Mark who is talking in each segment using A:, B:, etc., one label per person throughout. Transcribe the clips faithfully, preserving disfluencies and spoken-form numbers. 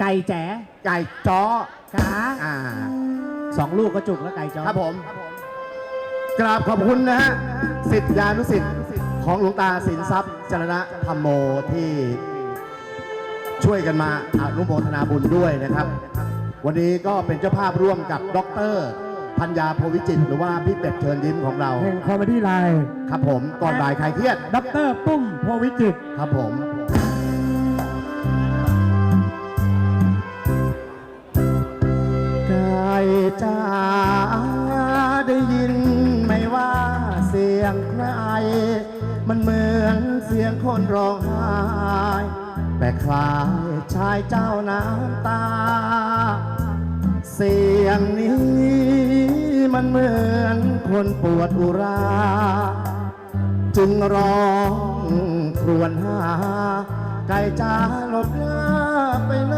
A: ก่แจ๋
B: ไก่จ้อ
A: ขา
B: อ่า
A: สองลูกก็จุกแล้วไก่จ้อ
B: ครับผมกราบขอบคุณนะฮะศิษยานุศิษย์ของหลวงตาสินทรัพย์จรณะธรรมโมที่ช่วยกันมาอนุโมทนาบุญด้วยนะครับวันนี้ก็เป็นเจ้าภาพร่วมกับดร.พัญญาโพวิจิตรหรือว่าพี่เป็ดเชิญยิ้มของเรา
A: แห่งคอมเมดี้ไลน์
B: ครับผมก่อนบ่ายใครเครียด
A: ดร.ปุ้มโพวิจิตร
B: ครับผมไก่จ้าได้ยินไหมว่าเสียงใครมันเหมือนเสียงคนร้องไห้แต่คล้ายชายเจ้าน้ำตาเสียงนี้มันเหมือนคนปวดอุราจึงร้องครวญหาไก่จ้าหลบหน้าไปไหน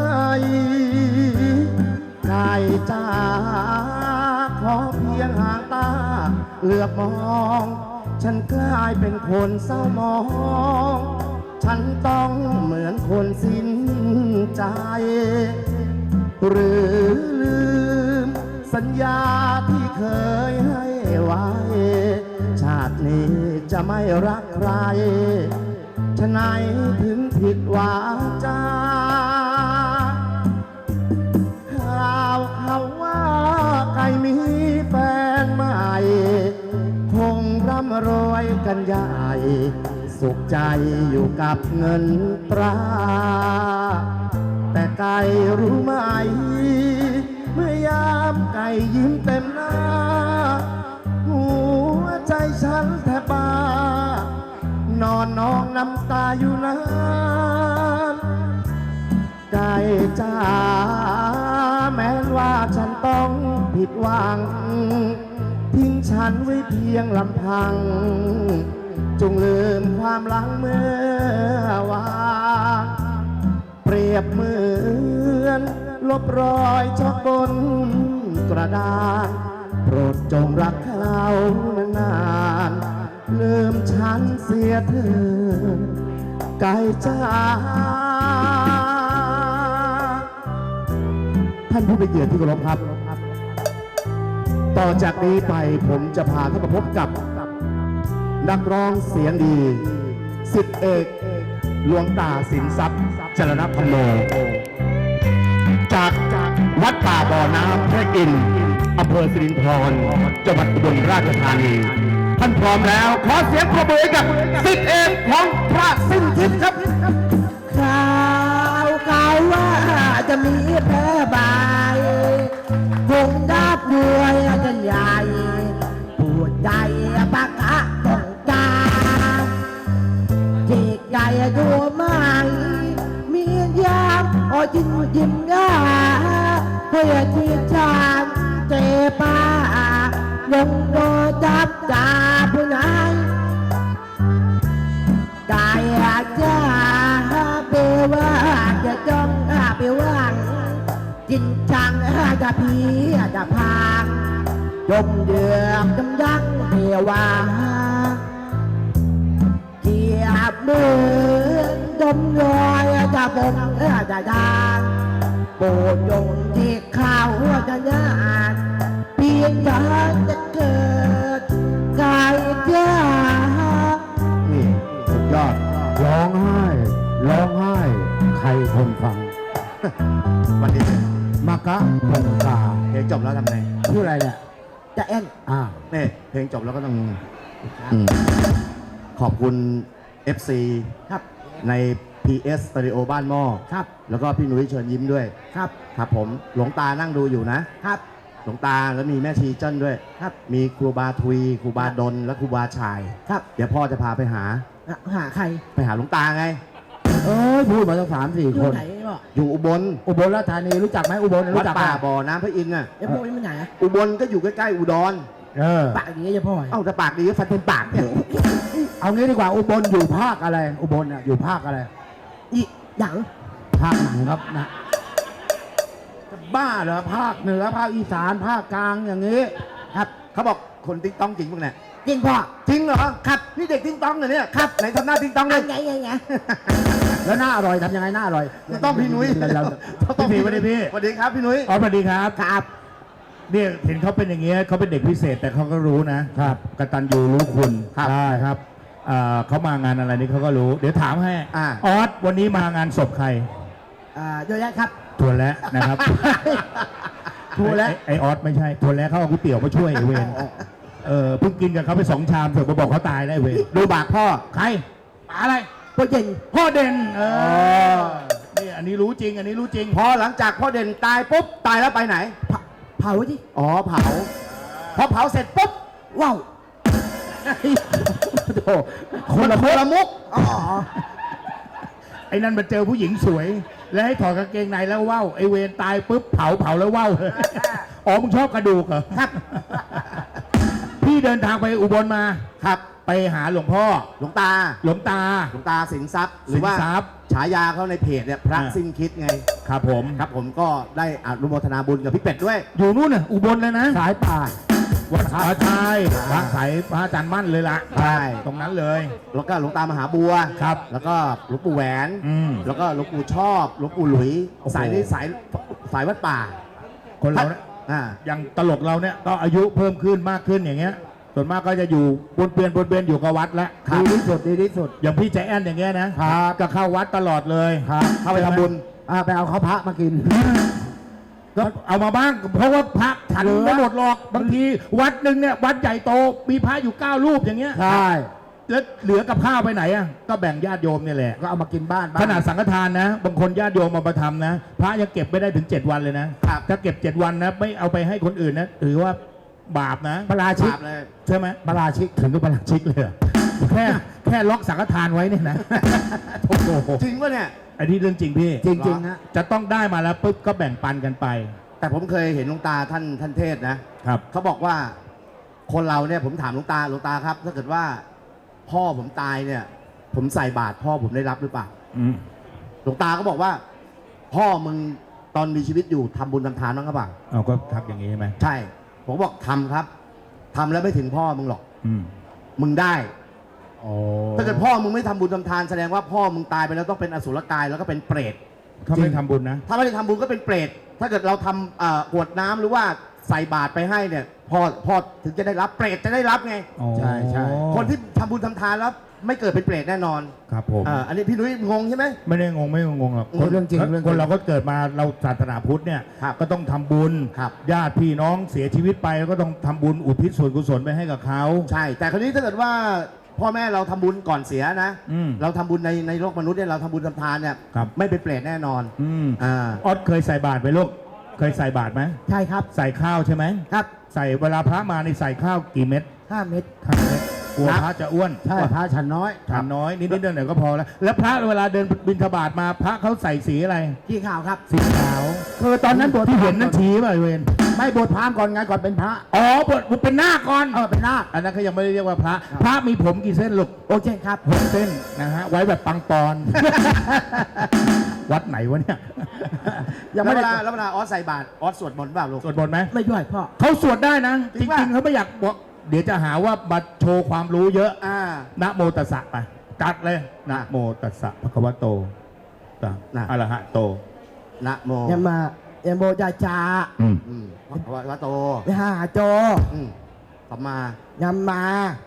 B: ไก่จ้าขอเพียงห่างตาเหลือบมองฉันกลายเป็นคนเศร้ามองฉันต้องเหมือนคนสิ้นใจหรือลืมสัญญาที่เคยให้ไว้ชาตินี้จะไม่รักใครฉะไหนถึงผิดวาจาข่าวเขาว่าไก่มีแฟนใหม่คงร่ำรวยกันใหญ่สุขใจอยู่กับเงินตราแต่ไก่รู้ไหมเมื่อยามไก่ยิ้มเต็มหน้าหัวใจฉันแทบบ้านอนนองน้ำตาอยู่นานไก่จ้าแม้ว่าฉันต้องผิดหวังทิ้งฉันไว้เพียงลำพังจงลืมความหลังเมื่อวานเปรียบเหมือนลบรอยชอกบนกระดานโปรดจงรักเขานานๆลืมฉันเสียเถิดไก่จ้าท่านผู้เป็นเกียรติที่เคารพครับต่อจากนี้ไปผมจะพาท่านมาพบกับนักร้องเสียงดีศิษย์เอกหลวงตาสินทรัพย์จรณธรรมโมจากวัดป่าบ่อน้ำพระอินทร์อำเภอสิรินธรจังหวัดอุบลราชธานีท่านพร้อมแล้วขอเสียงปรบมือกับศิษย์เอกของพระสิ้นคิดครับ
C: ข่าวข่าวว่าจะมีแพร่บายคงดับด้วยกันใหญ่ปวดใจปากกะต้องการจิตใจดูไม่มียามโอ้ยิ้มยิ้มง่าเพื่อที่จะเจ็บป้าลงโดนจับจ่าผู้นายกายจะเปว่าจะจ้องเปว่างจินจังจะพีจะพางจมเดือดจมยักเทวาเกียบมือจมลอยจะบงจะดางโปรดจงที่ข้าวจะยานเพียงจะจะเกิดกายจ้า
B: นี่สุดยอด
A: ร้องไห้ร้องไห้ใครคนฟัง
B: วันนี้
A: มากะพงกา
B: เพลงจบแล้วทำไง
A: ชื่ออะไรเนี่ย
C: จะเอ็น
A: อ่า
B: เนี่ยเพลงจบแล้วก็ต้องขอบคุณ เอฟ ซี
C: ครับ
B: ใน พี เอส Stereo บ้านหม้อ
C: ครับ
B: แล้วก็พี่นุ้ยเชิญยิ้มด้วย
C: ครับ
B: ครับผมหลวงตานั่งดูอยู่นะครับหลวงตาแล้วมีแม่ชีเจิ้นด้วยครับมีครูบาทุยครูบาดลและครูบาชายครับเดี๋ยวพ่อจะพาไปหา
C: หาใคร
B: ไปหาหลวงตาไง
A: เอ้ยพูดมาตั้งสามสี่คน
B: อยู่อุบล
A: อุบลราชธานีรู้จักไหมอุบลรู้จัก
B: ป่าบ่อน้ำพระอินทร์น่ะ
C: ไอ้พวกนี้มันไหน
B: อุบลก็อยู่ใกล้ๆอุดร
A: เออ
C: ปากดีจะพ่อ
B: เอ้าแต่ปากดีก็ฟันเป็นปากเนี่ย
A: เอางี้ดีกว่าอุบลอยู่ภาคอะไรอุบลอ่ะอยู่ภาคอะไร
C: อีหยัง
A: ภาคหนังครับนะบ้าเหรอภาคเหนือภาคอีสานภาคกลางอย่างนี้
B: ครับเขาบอกคนติ๊งต้องจริงพวกเนี่ย
C: จริงพ่อ
B: จริงเหรอครับนี่เด็กติ๊งต้องเหรอเนี่ยครับไหนทำหน้าติ๊งต้องเลย
C: ไงไงไง
A: แล้วหน้าอร่อยทำยังไงหน้าอร่อย
B: ต้องพี่นุ้ย
A: เราเรา
B: ต้อง
D: พี่สวัสดีพี่
B: สวัสดีครับพี่นุ้ย
D: อ๋อสวัสดีครับ
A: ครับ
D: เนี่ยเห็นเขาเป็นอย่างเงี้ยเขาเป็นเด็กพิเศษแต่เขาก็รู้นะครับ กตัญญูรู้คุณ
A: ครับ
D: ใช่ครับอ่าเขามางานอะไรนี่เขาก็รู้ เดี๋ยวถามให้
B: อ่า
D: ออสวันนี้มางานศพใคร
C: อ่าเยอะแยะครับ
D: ทัวแล้วนะครับ
A: ทัวร์แล้ว
D: ไอ้ไอออสไม่ใช่ทัวแล้วเขาเอาก๋วยเตี๋ยวมาช่วยไอ้เวรเออเพิ่งกินกับเขาไปสองชามเสร็จมาบอกเขาตายแล้วไอ้เวร
A: ดูบากพ่อ
D: ใครป๋าอะไร
C: โปรเจน
D: พ่อเด่นเอ
A: อ๋
D: อ
A: อ
D: นี่อันนี้รู้จริง อันนี้รู้จริง
A: พอหลังจากพ่อเด่นตายปุ๊บตายแล้วไปไหน
C: เผาเผาที่
A: อ๋อเผาพอเผาเสร็จปุ๊บ
C: ว้าว
A: โอ้คนละคนละมุก
C: อ๋อ
D: ไอ้นั่นมาเจอผู้หญิงสวย แล้วให้ถอดกางเกงในแล้วว่าวไอ้เวรตายปุ๊บเผาเผาแล้วว่าว อ๋อมึงชอบกระดูกเหรอ
A: ครับ
D: พี่เดินทางไปอุบลมา
A: ครับ
D: ไปหาหลวงพ่อ
A: หลวงตา
D: หลวงตา
A: หลวงตาสินทรัพย์หรือว่า
D: สินทรัพย์
A: ฉายาเขาในเพจเนี่ยพระ
D: อ่า
A: สิ้นคิดไง
D: ครับผม
A: ครับผมก็ได้อนุโมทนาบุญกับพี่เป็ดด้วย
D: อยู่นู่นน่ะอุบลเลยนะ
A: สายป่า
D: วัดสาชัย
A: อ่า
D: พระสายพระอาจารย์มั่นเลยล่ะ
A: ใช่
D: ตรงนั้นเลย
A: แล้วก็หลวงตามหาบัว
D: ครับ
A: แล้วก็หลวงปู่แหวน
D: อืม
A: แล้วก็หลวงปู่ชอบหลวงปู่หลุย
D: โอ้โห
A: สายนี้สายสายวัดป่า
D: คนเราเนี่ย
A: อ่า
D: อย่างตลกเราเนี่ยก็อายุเพิ่มขึ้นมากขึ้นอย่างเงี้ย ส่วนมากก็จะอยู่บนเปลี่ยนบนเปลี่ยนอยู่กับวัดแล้ว
A: ดีที่สุดดีที่สุด
D: อย่างพี่ใจแอนอย่างเงี้ยนะครับ ก็เข้าวัดตลอดเลย
A: ครับเข้าไปทำบุญอ่าไปเอาข้าวพระมากิน
D: ก็เอามาบ้างเพราะว่าพระฉัน
A: เหลือ
D: ไม่หมดหรอกบางทีวัดหนึ่งเนี่ยวัดใหญ่โตมีพระอยู่เก้ารูปอย่างเงี้ย
A: ใช่
D: แล้วเหลือกับข้าวไปไหนอ่ะก็แบ่งญาติโยมเนี่ยแหละ
A: ก็เอามากินบ้านบ้าง
D: ขนาดสังฆทานนะ บางคนญาติโยมมาประทำนะ พระยังเก็บไม่ได้ถึงเจ็ดวันเลยนะครับ ถ้าเก็บเจ็ดวันนะไม่เอาไปให้คนอื่นนะถือว่าบาปนะ
A: ปลาชิก
B: บาปเลย
D: ใช่ไหม
A: ปลาชิก
D: ถึงกับประหลัดชิกเลยเหรอแค่แค่ล็อกสังฆทานไว้เนี่ยนะโอ้โห
B: จริงป่ะเนี่ย
D: อันนี้เรื่องจริงพี่
A: จริงๆนะ
D: จะต้องได้มาแล้วปุ๊บก็แบ่งปันกันไป
A: แต่ผมเคยเห็นหลวงตาท่านท่านเทศน์นะครับ เขาบอกว่าคนเราเนี่ยผมถามหลวงตาหลวงตาครับ ถ้าเกิดว่า พ่อผมตายเนี่ย ผมใส่บาตรพ่อผมได้รับหรือเปล่า
D: อืม
A: หลวงตาก็บอกว่า พ่อมึงตอนมีชีวิตอยู่ทำบุญทำทานบ้างหรือเปล่า
D: เอาก็ทักอย่างนี้ใช่ไหม
A: ใช่ ผมบอกทำครับทำแล้วไม่ถึงพ่อมึงหรอก
D: อืม
A: มึงได้
D: โอ้
A: ถ้าเกิดพ่อมึงไม่ทำบุญทำทานแสดงว่าพ่อมึงตายไปแล้วต้องเป็นอสุรกายแล้วก็เป็นเปรต
D: เขาไม่ทำบุญนะ
A: ถ้าไม่ได้ทำบุญก็เป็นเปรต ถ้าเกิดเราทำเอ่อกรวดน้ำหรือว่าใส่บาตรไปให้เนี่ยพ่อพ่อถึงจะได้รับเปรตจะได้รับไง
D: อ๋อ
A: ใช่ใช่คนที่ทำบุญทำทานแล้วไม่เกิดเป็นเปรตแน่นอน
D: ครับผม
A: อ่าอันนี้พี่นุ้ยงงใช่ไหม
D: ไม่ได้งงไม่งงหรอก
A: เรื่องจริงเรื่องจริง
D: คนเราก็เกิดมาเราศาสนาพุทธเนี่ย
A: ครับ
D: ก็ต้องทำบุญ
A: ครับ
D: ญาติพี่น้องเสียชีวิตไปแล้วก็ต้องทำบุญอุทิศส่วนกุศลไปให้กับเขา
A: ใช่ แต่คราวนี้ถ้าเกิดว่าพ่อแม่เราทำบุญก่อนเสียนะ
D: อืม
A: เราทำบุญในในโลกมนุษย์เนี่ยเราทำบุญทำทานเนี่ย
D: ครับ
A: ไม่เป็นเปรตแน่นอน
D: อืม
A: อ่า
D: ออสเคยใส่บาตรไหมลูกเคยใส่บาตรไหม
C: ใช่ครับ
D: ใส่ข้าวใช่ไหม
C: ครับ
D: ใส่เวลาพระมาในใส่ข้าวกี่เม็ด
C: ห้าเม็ด
D: ข้าวเม็ดกลัว
A: ครับ
D: พระจะอ้วน
A: ใช่พระฉันน้อย
D: ทานน้อยนิดนิดๆหน่อยๆก็พอแล้ว แล้วพระเวลาเดินบิณฑบาตมาพระเขาใส่สีอะไร
C: ที่ข่าวครับ
D: สีขาวคือตอนนั้นบวชที่เห็นนั่นชีป่ะเวน
A: ไม่บวชพราหมณ์ก่อนไงก่อนเป็นพระ
D: อ๋อบวชบวชเป็นหน้าคก่อน
A: เออเป็นนาค
D: อันนั้นเขายังไม่ได้เรียกว่าพระ
A: ครับ
D: พระมีผมกี่เส้นลูก
C: โอเคครับ
D: หกเส้นนะฮะไว้แบบปังปอน วัดไหนวะเนี่ย
A: ยังไม่
B: แล้วเว
A: ได้
B: ลาแล้วเวลาออสใส่บาตรออสสวดมนต์เปล่าลูก
D: สวดมนต์ไหม
C: ไม่ด้วยพ่อ
D: เขาสวดได้นะ
B: จ
D: จ
B: ริงป่ะ
D: ริงๆเขาไม่อยากบอกเดี๋ยวจะหาว่ามาโชว์ความรู้เยอะ
B: อ่า
D: นะโมตัสสะไปจัดเลยนะโมตัสสะภะคะวะโตตะ
A: นะ
D: อะระหะโต
A: นะโม
C: ยามมา ยามโมจาจา
D: อืม
A: อืมวะวะโต
C: ยาโจ
A: อืมสัมมาย
C: ามมาน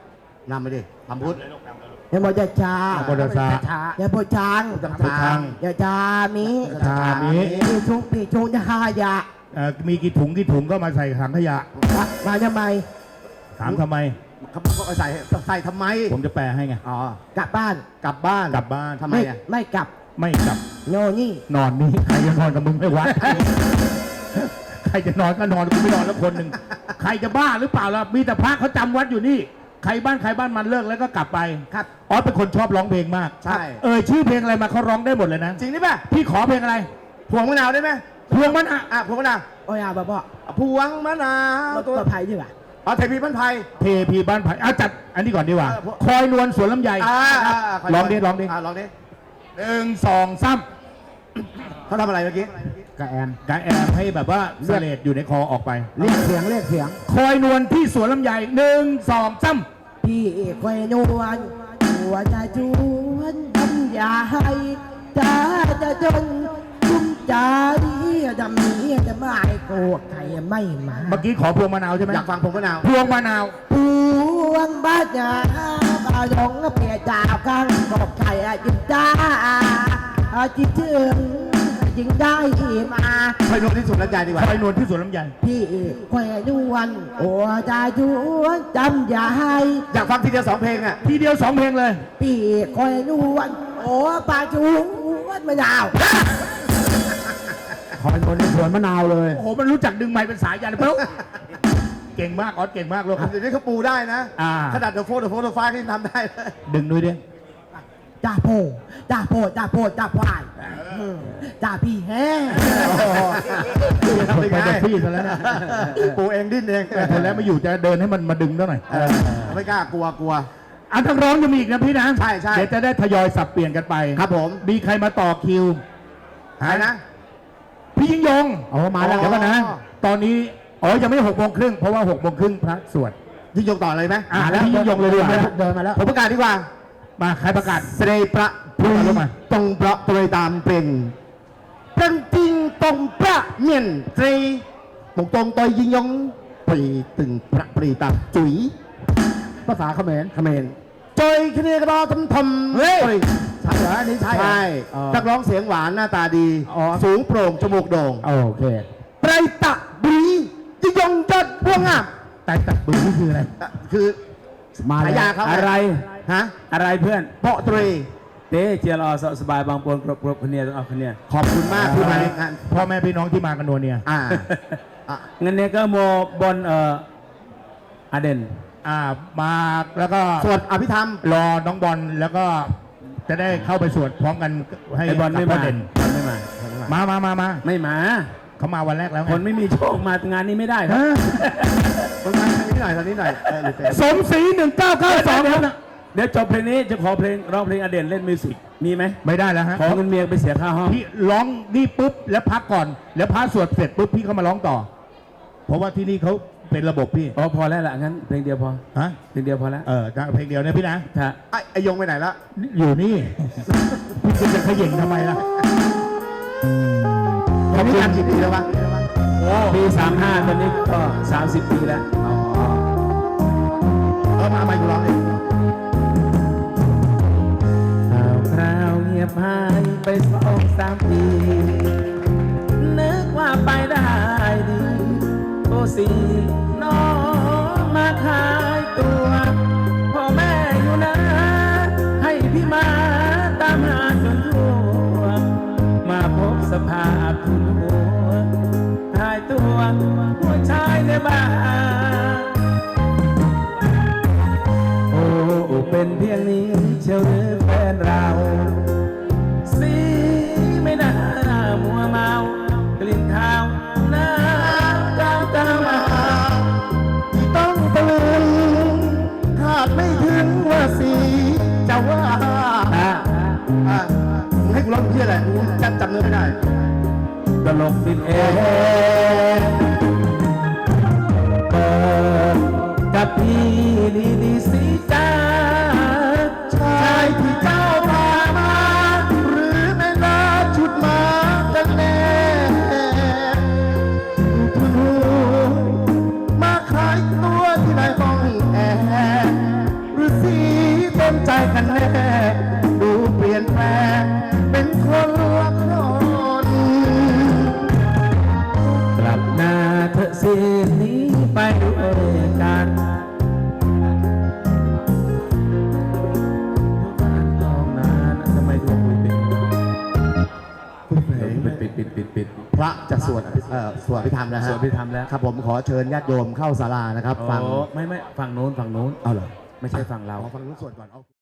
A: ำไปดิทำพุทธ
C: ยามโมจาจา
D: นะโมตัสสะ
A: ช้าย
C: ามโมจัง
A: พุทธ
D: พุทธัง
C: ยาจามิ
D: ชามิ
C: ปีชุงปีชุงยายะ
D: เอ่อมีกี่ถุงกี่ถุงก็มาใส่ถังขยะ
C: มาทำไม
D: ถามทำไม
A: เขาเขาใส่ใส่ทำไม
D: ผมจะแปลให้ไง
A: อ๋อก
C: ลับบ้าน
A: กลับบ้าน
D: กลับบ้าน
A: ทำไม
C: ไม่
A: อ่ะ
C: ไม่กลับ
D: ไม่กลับ
C: โนนี่
D: นอนนี่ใครจะนอนกับมึงไม่วัด ใครจะนอนก็นอนกูไม่นอนแล้วคนหนึ่งใครจะบ้าหรือเปล่าล่ะมีแต่พระเขาจำวัดอยู่นี่ ใครบ้านใครบ้านมันเลิกแล้วก็กลับไป
C: ครับ
D: ออสเป็นคนชอบร้องเพลงมาก
A: ใช่
D: เออชื่อเพลงอะไรมาเขาร้องได้หมดเลยนะ
A: จริงนี่ป่ะ
D: พี่ขอเพลงอะไร
A: พวงมะนาวได้ไหม
D: พวงมันอะ
A: อ่ะพวงมะนาว
C: โอ้ยาบ้าพ่อ
A: พวงมะนาว
C: ตัวไผ่ดีกว่า
A: อ๋อเทพีพันไพร
D: เทพีบ้านไผ่เอาจัดอันนี้ก่อนดีกว่า
A: เออพวก
D: คอยนวลสวนลำไย
A: อ่าอ่าา
D: ลองดิลองดิ
A: าลองดิ
D: หนึ่งสองสาม
A: เขาทำอะไรเมื่อกี้
C: กะแอน
D: กาแอมให้แบบว่าเสลดอยู่ในคอออกไป
C: เรียกเสียงเรียกเสียง
D: คอยนวลที่สวนลำไยหนึ่งสองสาม
C: พี่เอกคอยนวลหัวใจจวนทำยาให้ตาจะจนคุ้มใจจะมีจะไม่โกรธใครไม่มา
D: เมื่อกี้ขอพวงมะนาวใช่ไหม
A: อยากฟังผมมะนาว
D: พวงมะนาว
C: พวงบ้านยาบาหลงเปียจ่าข้างกบไก่จิตจ้าจิตถึงยิงได้มา
A: คอยนวลที่สุดแล้วใจดีกว่า
D: คอยนวลที่สวนลำไย
C: พี่แขวนวันโอ้จะยวนจำอย่าให้
A: อยากฟังทีเดียวสองเพลงอ่ะ
D: ทีเดียวสองเพลงเลย
C: พี่แขวนวันโอ้ปาจูวันมะนาว
B: คอยคนในสวนมะนาวเลย
D: โอ้โห มันรู้จักดึงไม้เป็นสายยันปุ๊บเก่งมากออสเก่งมากลูก
A: เดี๋ยวนี้เขาปูได้นะ
D: อ่า
A: ขนาดเดอะโฟร์เดอะโฟร์เดอะไฟที่ทำได้เลย
D: ดึงด้วยดิ
C: จ่าโพจ่าโพจ่าโพจ่าพวายจ่าพี่แฮ่
A: ทำ
D: ไป
A: ไปไง
D: เด็กพี่ซะแล้วนะ
A: ปูเองดิ้นเอง
D: แต่คนแล้วไม่อยู่จะเดินให้มันมาดึงซะหน่อย
A: เออไม่กล้ากลัวกลัว
D: อ่ะทั้งร้องยังมีอีกนะพี่นะ
A: ใช่ใช่
D: เดี๋ยวจะได้ทยอยสับเปลี่ยนกันไป
A: ครับผม
D: มีใครมาต่อคิว
A: ใครนะ
D: พี่ยิ่งยง
B: อ๋อมาแล้ว
D: เดี๋ยวก่อนนะ ตอนนี้อ๋อยังไม่หกโมงครึ่งเพราะว่าหกโมงครึ่งพระสวด
A: ยิ่งยงต่อเลยไหม
D: อ่ะแล้วพี่ยิ่งยงเลยดีกว่า
B: เดินมาแล้ว
A: ผมประกาศดีกว่า
D: มาใครประกาศ
A: เสด็จประพรี
D: เอาลงมา
A: ตรงประตรวยตามเป็นเป็นจริงตรงประเมียนตรีตรงตรงตอยยิงยงปรีตึงประปรีตามจุ๋ย
B: ภาษาเขมร
A: เขมรจอยคเนกรอทำทำ
B: เฮ้ย
A: ปรี
B: ใช่เหรออันนี้ใช่เหรอ
A: ใช่
B: อ๋อ
A: นักร้องเสียงหวานหน้าตาดี
B: อ๋อ
A: สูงโปร่งจมูกโด่ง
B: โอเค
A: ไตรตะบรียิงยงจัดพวงงาม
D: แต่ตัดบือนี่คืออะไร
A: อ่ะคือ
B: มา
A: ฉา
B: แล้ว
A: ยาเขา
E: อะไร
A: ฮะ
E: อะไรเพื่อน
A: เปาะตรี
E: เต้เจียรอสสบายบางปวนกรบกรบคนเนียต้องเอาคนเนีย
A: ขอบคุณมากที่มาในงาน
D: พ่อแม่พี่น้องที่มากันนัวเนี่ย
A: อ่าอ่ะ
E: งั้นเนี่ยก็โมบนเอ่ออาเดน
D: อ่ามาแล้วก็
A: สวดอภิธรรม
D: รอน้องบอลแล้วก็จะได้เข้าไปสวดพร้อมกันให้
E: ไอบอลไม่
D: กับพ่
E: มา
D: เด่น
E: บอลไม่มา
D: มามามามา
E: ไม่มา
D: เขามาวันแรกแล้วไง
E: คนไม่มีโชคมางานนี้ไม่ได้ครับ
D: ฮะ
A: คนมาทางนี้หน่อยทางนี้หน่อยเออหรือเปล่า
D: สมศรีหนึ่งเก้าเก้าสองครับนะ
E: เดี๋ยวจบเพลงนี้จะขอเพลงร้องเพลงอเดนเล่นมิวสิกมีไหม
D: ไม่ได้แล้วฮะ
E: ขอเงินเมียไปเสียค่าห้อง
D: พี่ร้องนี่ปุ๊บแล้วพักก่อน แล้วพระสวดเสร็จปุ๊บพี่เขามาร้องต่อ เพราะว่าที่นี่เขาเป็นระบบพี่
E: อ๋อพอแล้วล่ะงั้นเพลงเดียวพอ
D: ฮะ
E: เพลงเดียวพอแล้ว
D: เออเพลงเดียวเนี่ยพี่นะ
E: ถ้า
A: ไอ้ไอยงไปไหนละ
D: อยู่นี่ พี่จะขย่งทำไมล่ะ
A: เขามีการกี่ปีแล้ววะ
E: ปีสามห้าตอนนี้ก็สามสิบปีแล้ว
A: อ๋อเออมาใหม่กูร้องเอง
E: ข่าวคราวเงียบหายไปสองสามปี นึกว่าไปได้ดีโตสีน้องมาขายตัวพ่อแม่อยู่นะ ให้พี่มาตามหาจนทั่ว มาพบสภาพทุนหัวหายตัวหัวชายในบ้านโอ้เป็นเพียงนี้เชียวหรือแฟนเรา สีไม่น่ามัวเมากลิ่นเท้าหน้าเจ้าเจ้ามา
A: ที่ต้องตะลึงคาดไม่ถึงว่าสีจะว่า
E: อ่ะ
A: อ่ะมึงให้กูร้องเพี้ยอะไรกูจำจำเนื้อไม่ได้
E: ตลกดินเองเปิดกับพี่ดีดีสีจ้า
A: ชายที่เจ้าพามา หรือแม่นาชุดมากันแน่คุณหูมาขายตัวที่ไหนห้องแอร์หรือสีเต็มใจกันแน่ดูเปลี่ยนแปลงเป็นคนละคน
E: กลับหน้าเธอสิหนี้ไปด้วยกันห้องนั้นทำไมดวงปิดปิดปิดปิดปิดปิด
A: พระจะสวดเอ่อสวดพิธรรมนะฮะ
E: สวดอภิธรรมแล้ว
A: ครับผมขอเชิญญาติโยมเข้าศาลานะครับ ฟัง
E: โอ้ไม่ไม่ฝั่งโน้นฝั่งโน้น
A: เอาเหรอ
E: ไม่ใช่ฝั่งเรา
A: เอาฟังลูกสวดก่อนเอา